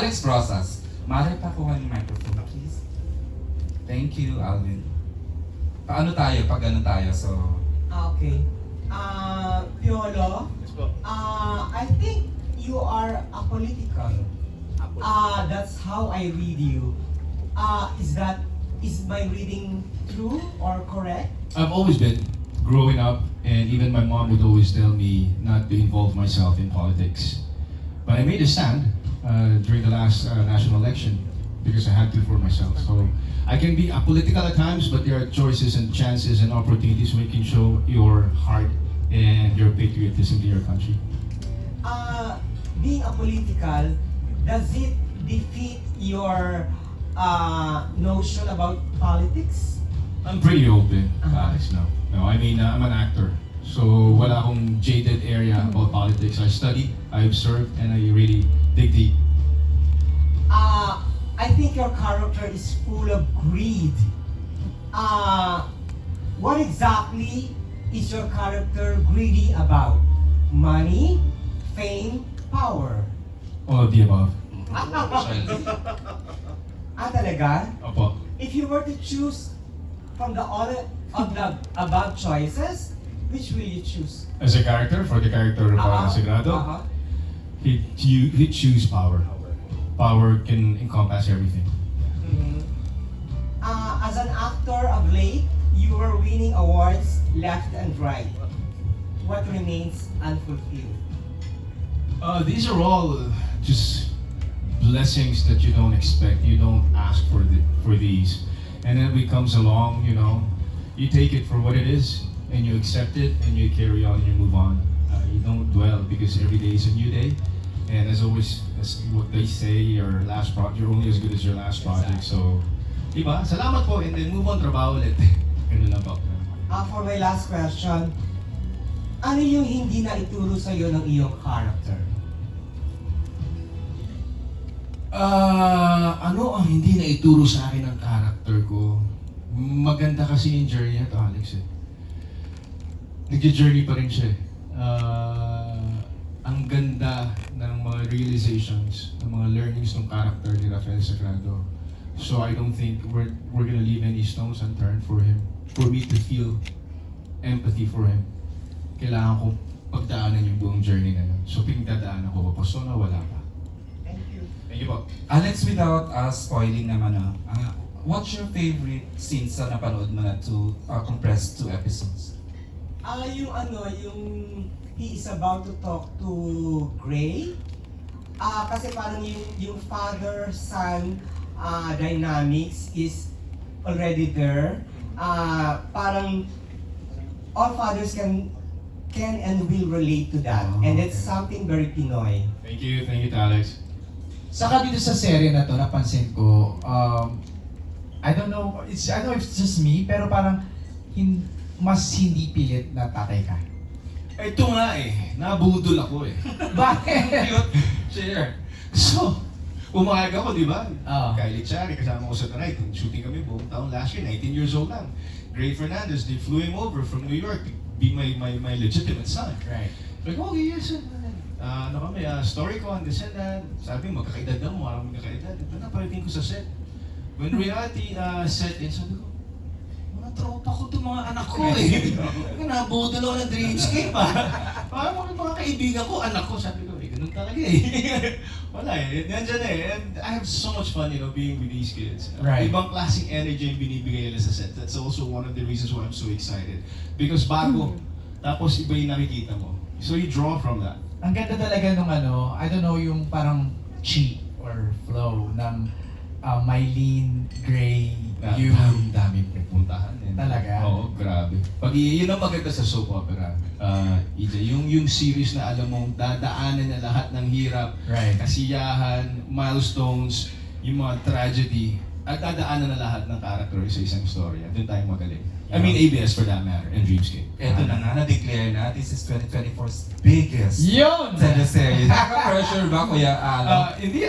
Alex Brosas. Mare, pakuha ng microphone, please. Thank you, Alvin. Paano tayo? Pag ano tayo? So, Okay. Piolo, I think you are apolitical. That's how I read you. Is my reading true or correct? I've always been growing up, and even my mom would always tell me not to involve myself in politics. But I made a stand during the last national election because I had to for myself. So I can be apolitical at times, but there are choices and chances and opportunities where you can show your heart and your patriotism to your country. Being apolitical, does it defeat your notion about politics? I'm pretty open, Uh-huh. Alex, no. No, I mean, I'm an actor. So wala akong jaded area about politics. I study, I observe, and I really dig deep. I think your character is full of greed. What exactly is your character greedy about? Money, fame, power? All of the above. Talaga? Opo. If you were to choose from all of the above choices, which will you choose? As a character, for the character of Sagrado, he'd choose power. Power can encompass everything. Mhm. As an actor of late, you were winning awards left and right. What remains unfulfilled? These are all just blessings that you don't expect. You don't ask for these, and then it comes along. You take it for what it is, and you accept it, and you carry on, and you move on. You don't dwell because every day is a new day, and as always, as what they say, you're only as good as your last project. So, diba? Salamat po, and then move on, trabaho ulit. Ganun lang po. For my last question, ano yung hindi na ituro sa'yo ng iyong character? Ano ang hindi na ituro sa akin ng character ko? Maganda kasi yung journey na to, Alex. Nag-journey pa rin siya. Ang ganda ng mga realizations, ng mga learnings ng character ni Rafael Sagrado. So I don't think we're gonna leave any stones unturned for him. For me to feel empathy for him, kailangan ko pagdaanan yung buong journey na yun. So pinagdadaanan ko, papaso na wala pa. Thank you. Thank you po. Alex, without spoiling naman, what's your favorite scene sa napanood mo na compressed 2 episodes? Yung he is about to talk to Gray. Kasi parang yung father-son dynamics is already there. Parang all fathers can and will relate to that. And it's something very Pinoy. Thank you, Alex. Saka dito sa serye na to, napansin ko, I don't know if it's just me, pero parang mas hindi pilit na tatay ka. Ito nga nabudol ako Bakit? Share. So, umaga ako, di ba? Oo. Kylie Chari, kasama ko sa Tanay. Shooting kami buong taon last year, 19 years old lang. Gray Fernandez, they flew him over from New York to be my legitimate son. Right. Like, okay, yes. Story ko, this and that. Sabi, magkakaedad na mo, parang magkakaedad. Ito na, palitin ko sa set. When reality set in, sabi ko, mga tropa ko itong mga anak ko Nabudol ako ng dreamscape Parang mga kaibigan ko, anak ko. Sabi ko, ganun talaga Wala Nandiyan And I have so much fun, being with these kids. Right. Ibang klaseng energy yung binibigay nila sa set. That's also one of the reasons why I'm so excited. Because bago, tapos iba yung nakikita mo. So you draw from that. Ang ganda talaga nung I don't know, yung parang chi or flow ng Mylene, Gray, you. Daming pupuntahan. Talaga? Oo, grabe. Yun ang maganda sa soap opera, EJ. Yung series na alam mong dadaanan na lahat ng hirap, Right. kasiyahan, milestones, yung mga tragedy, at dadaanan na lahat ng character sa isang story. At doon tayo magaling. I mean, ABS for that matter, and Dreamscape. Eto na nga, na-declare na, this is 2024's biggest Yun! teleserye. Nakaka-pressure ba, Kuya Alo? Hindi,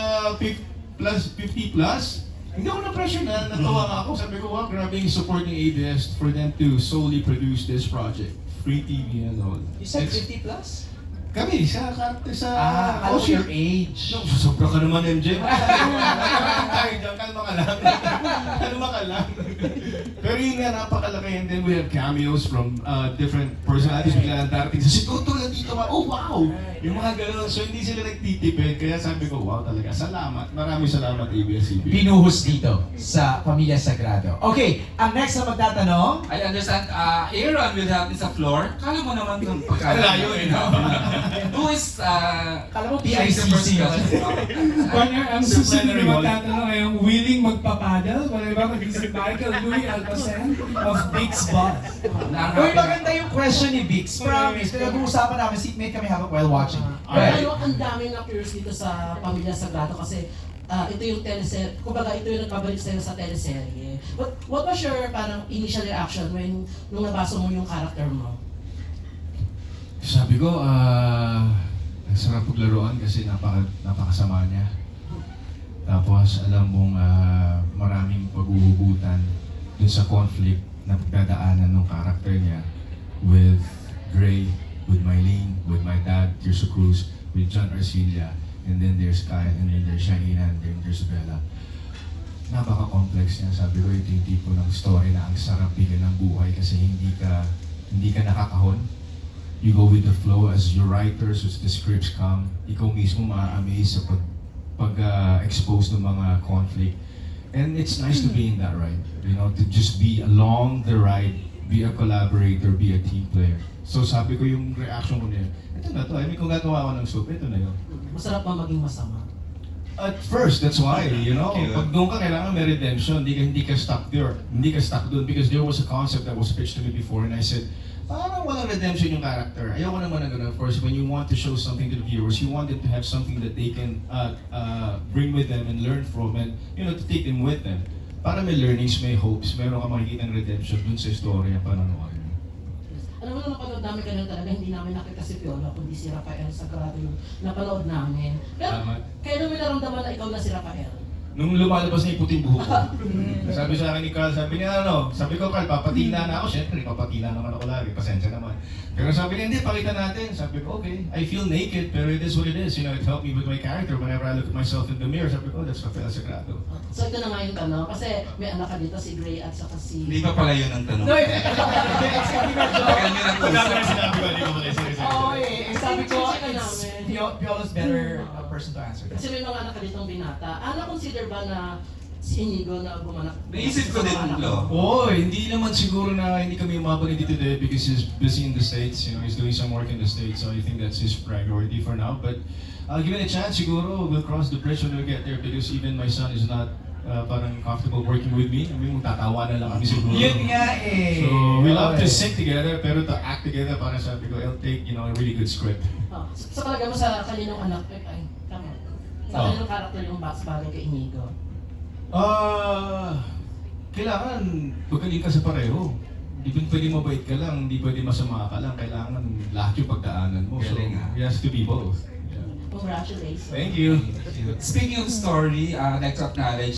50 plus. Hindi ako na-pressure natawa nga ako. Sabi ko, wow, grabe yung support ng ABS for them to solely produce this project. Free TV and all. You said It's 50 plus? Kami, sa character sa... Alam ko your age. No, sobra ka naman, MJ. Tayo dyan, kalma ka lang. Kalma ka lang. Pero yun nga, napakalaki. And then we have cameos from different personalities. Bigla ang darating sa si Toto nandito ka. Oh, wow! Yung mga gano'n. So hindi sila nagtitipid. Kaya sabi ko, wow talaga. Salamat. Maraming salamat, ABS-CBN. Binuhos dito sa Pamilya Sagrado. Okay, ang next na magtatanong, I understand, Aaron will help me sa floor. Kala mo naman itong Layo eh, no? Who is, kala mo choose the PICC first yun. question? Partner, ang susunod Disciplinary na wall. magtatanong ay ang willing magpapadal. Wala ba kundi si Michael Louis Alpacen of Big's Boss. Uy, maganda yung question ni Vix. Promise, pinag-uusapan namin, seatmate kami habang while watching. Alright. Ano, ang daming na-curious dito sa Pamilya Sagrado kasi ito yung teleserye, kumbaga ito yung nagbabalik sa'yo sa teleserye. What was your parang initial reaction when nung nabasa mo yung character mo? Sabi ko, ang sarap paglaruan kasi napakasama niya. Tapos alam mong maraming paghuhugutan dun sa conflict na pagdadaanan ng character niya with Gray, with Mylene, with my dad, Tirso Cruz, with John Arcilla, and then there's Kyle, and then there's Shaina, and then there's Bella. Napaka-complex niya. Sabi ko, ito yung tipo ng story na ang sarap bigyan ng buhay kasi hindi ka nakakahon. You go with the flow as your writers, as the scripts come, ikaw mismo ma-amaze sa pag-expose ng mga conflict. And it's nice to be in that ride, you know, to just be along the ride, be a collaborator, be a team player. So sabi ko yung reaction ko niya, ito na to, I mean kung gagawa ko ng soup, ito na yun. Masarap ba maging masama? At first, that's why, you know, Okay. pag doon ka kailangan may redemption, hindi ka stuck there, hindi ka stuck doon because there was a concept that was pitched to me before and I said, parang walang redemption yung character. Ayoko naman na gano'n. Of course, when you want to show something to the viewers, you want them to have something that they can bring with them and learn from and, you know, to take them with them. Para may learnings, may hopes, meron ka makikita ng redemption dun sa istorya panonood. Alam mo na napanood namin kanina talaga, hindi namin nakita si Piolo, kundi si Rafael Sagrado yung napanood namin. Pero Tama. kailan mo naramdaman na ikaw na si Rafael? Nung lumalabas na yung puting buhok ko, sabi sa akin ni Carl, sabi niya sabi ko Carl, papatina na ako. Siyempre, papatina naman ako lagi, pasensya naman. Pero sabi niya, hindi, pakita natin. Sabi ko, okay, I feel naked, pero it is what it is. You know, it helped me with my character whenever I look at myself in the mirror. Sabi ko, that's Rafael Sagrado. So ito na nga yung tanong, kasi may anak ka dito, si Gray at saka si... Hindi pa pala yun ang tanong. No, it's kami medyo... Tagal nyo nang usap. sinabi ko, hindi ko pala Oo, sabi ko, Sige it's namin. Piolo's better person to answer Kasi that. may mga anak ka ditong binata. Consider ba na si Inigo na gumanak? Naisip ko din, Lo. Oh, hindi naman siguro na hindi kami umabot dito today because he's busy in the States. You know, he's doing some work in the States. So I think that's his priority for now. But given a chance, siguro we'll cross the bridge when we get there because even my son is not parang comfortable working with me. I mean, tatawa na lang kami siguro. Yun nga eh. So we love to sing together, pero to act together, parang sabi ko, it'll take, you know, a really good script. Sa palagay mo sa kaninong anak, tama. Sa kaninong character yung bagay kay Inigo? Kailangan magaling ka sa pareho. Hindi pwede mabait ka lang, hindi pwede masama ka lang. Kailangan lahat yung pagdaanan mo. So, Galing, ah. it has to be both. Yeah. Congratulations. Thank you. Speaking of story, I'd like to acknowledge